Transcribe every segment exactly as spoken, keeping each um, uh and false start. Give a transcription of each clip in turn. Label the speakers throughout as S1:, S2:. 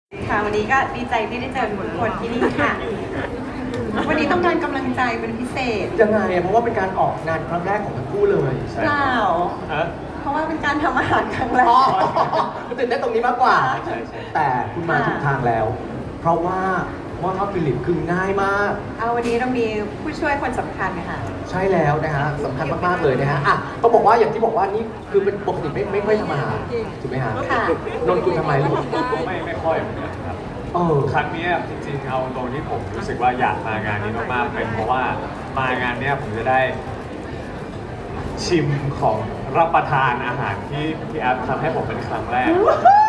S1: ค่ะวันนี้ก็ดีใจที่ได้เจอทุกคนที่นี่ค่ะ วันนี้ต้องการกำลังใจเป็นพิเศษ
S2: ยังไงอะเพราะว่าเป็นการออกงานครั้งแรกของทั้งคู่เลย
S1: เปล่า
S3: ฮะ
S1: เพราะว่าเป็นการทำอาหารครั้งแร
S2: อ๋อก ตื่นเต้นตรงนี้มากกว่า
S3: ใช่ใช่
S2: แต่คุณมาถูกทางแล้ว เพราะว่าหม้อทอดฟิลิปคือง่ายมาก
S1: เอาวันนี้เรามีผู้ช่วยคนสำคัญค่ะ
S2: ใช่แล้วนะฮะสำคัญมากๆเลยนะฮะอ่ะต้องบอกว่าอย่างที่บอกว่านี่คือเป็นปกติไม่ไม่ค่อยทำอาหารถูกไหมฮะ
S1: ค่ะ
S2: นนท์คุณทำไมลูก
S3: ไม่ไม่ค่อยเหมือนกันครับ
S2: เออ
S3: ครั้งเนี้ยจริงๆเอาตรงที่ผมรู้สึกว่าอยากมางานนี้มากๆเป็นเพราะว่ามางานเนี้ยผมจะได้ ชิมของรับประทานอาหารที่ที่แอปทำให้ผมเป็นครั้งแรก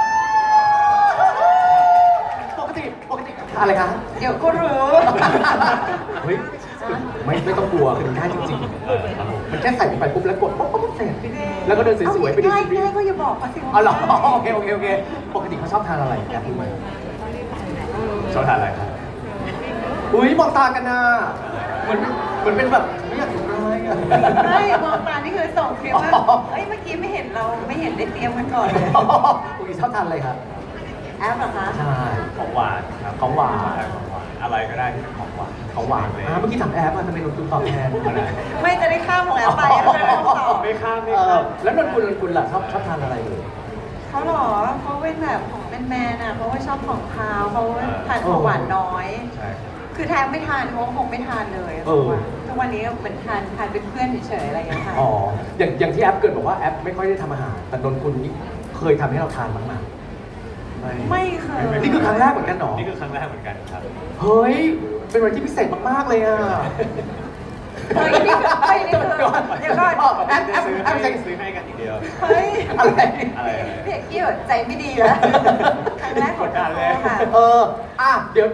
S2: ปกติปกติอะไรคะ
S1: เดี๋ยวก็รู้
S2: เฮ้ยไม่ไม่ต้องกลัวคือมันง่ายจริง
S3: เออครับผม
S2: ๆ มันแค่ใส่ลงไปปุ๊บแล้วกดปุ๊บปุ๊บเสร็จแล้วก็เดินสวยๆไปดู
S1: ง่าย
S2: ซีรี
S1: ง่าย
S2: ส์
S1: ก็อย่าบอกเขาสิว่า
S2: อ๋อเหรอโอเคโอเคโอเคปกติเขาชอบทานอะไรแอบรู้ไหม
S3: ชอบทานอะไรครับ
S2: อุ้ยมองตากันนะเหมือนเหมือนเป็นแบบไม่อยากถูกร้ายอะ
S1: ไม่มองตานี่คือส่งคลิปว่า
S2: อ๋อ
S1: เอ้ยเมื่อกี้ไม่เห็นเราไม่เห็นได้เตรียมกันก่อนเลย
S2: อุ้ยชอบทานอะไรครับ
S1: แอปเหรอคะ
S2: ใช่
S3: ของหวานครับ
S2: ของหวาน
S3: ชอบทของหวานอะไรก็ได้ที่เป็นของหวาน
S2: ของหวาน
S3: เลย
S2: อ่าเมื่อกี้ถามแอปว่าทำไมนนท์คุณตอบแทนมาได้
S1: ไม่จะได้ข้ามของแอปไปแล้วจะได้ตอบ
S3: ไม่ข้ามไม่
S2: เอ
S3: ข้า
S2: อ
S3: ม
S2: แล้วนนท์คุณนนท์คุณล่ะชอบชอบทานอะไรเลย
S1: เขาเหรอเขาเป็นแบบของแมนๆอ่ะเพราะว่าชอบของคาวเขาทานของหวานน้อย
S3: ใช่
S1: คือแทบไม่ทานเขาคงไม่ทานเลย
S2: เออ
S1: ทุกวันนี้เหมือนทานทานเป็นเพื่อนเฉยๆอะไรอย่างเงี้ยค่ะ
S2: อ๋ออย่างอย่างที่แอปเกิดบอกว่าแอปไม่ค่อยได้ทำอาหารแต่นนท์คุณนี่เคยทำให้เราทานบ้างไหม
S1: ไม่เคย
S2: นี่คือครั้งแรกเหมือนกันเหรอ
S3: นี่คือครั้งแรกเหมือนกันครับ
S2: เฮ้ย เป็นวันที่พิเศษมากๆเลยอ่ะ
S1: เฮ้ยนี่คือเฮ้ยนี่คือเดี๋ยวก่อน
S2: แอปแอป
S3: ซื้อ
S2: แอ
S3: ให้
S2: ปใส่
S3: ซื้อให้กันอีกเดียว
S1: เฮ้ย
S2: อะไร
S3: อะไรอะไร
S1: พี่เอกกี้แบบใจไม่ดีแล้วครั้งแรกของ
S3: กดดันเลย
S1: ค่ะ
S2: เออ อ่ะ เดี๋ยว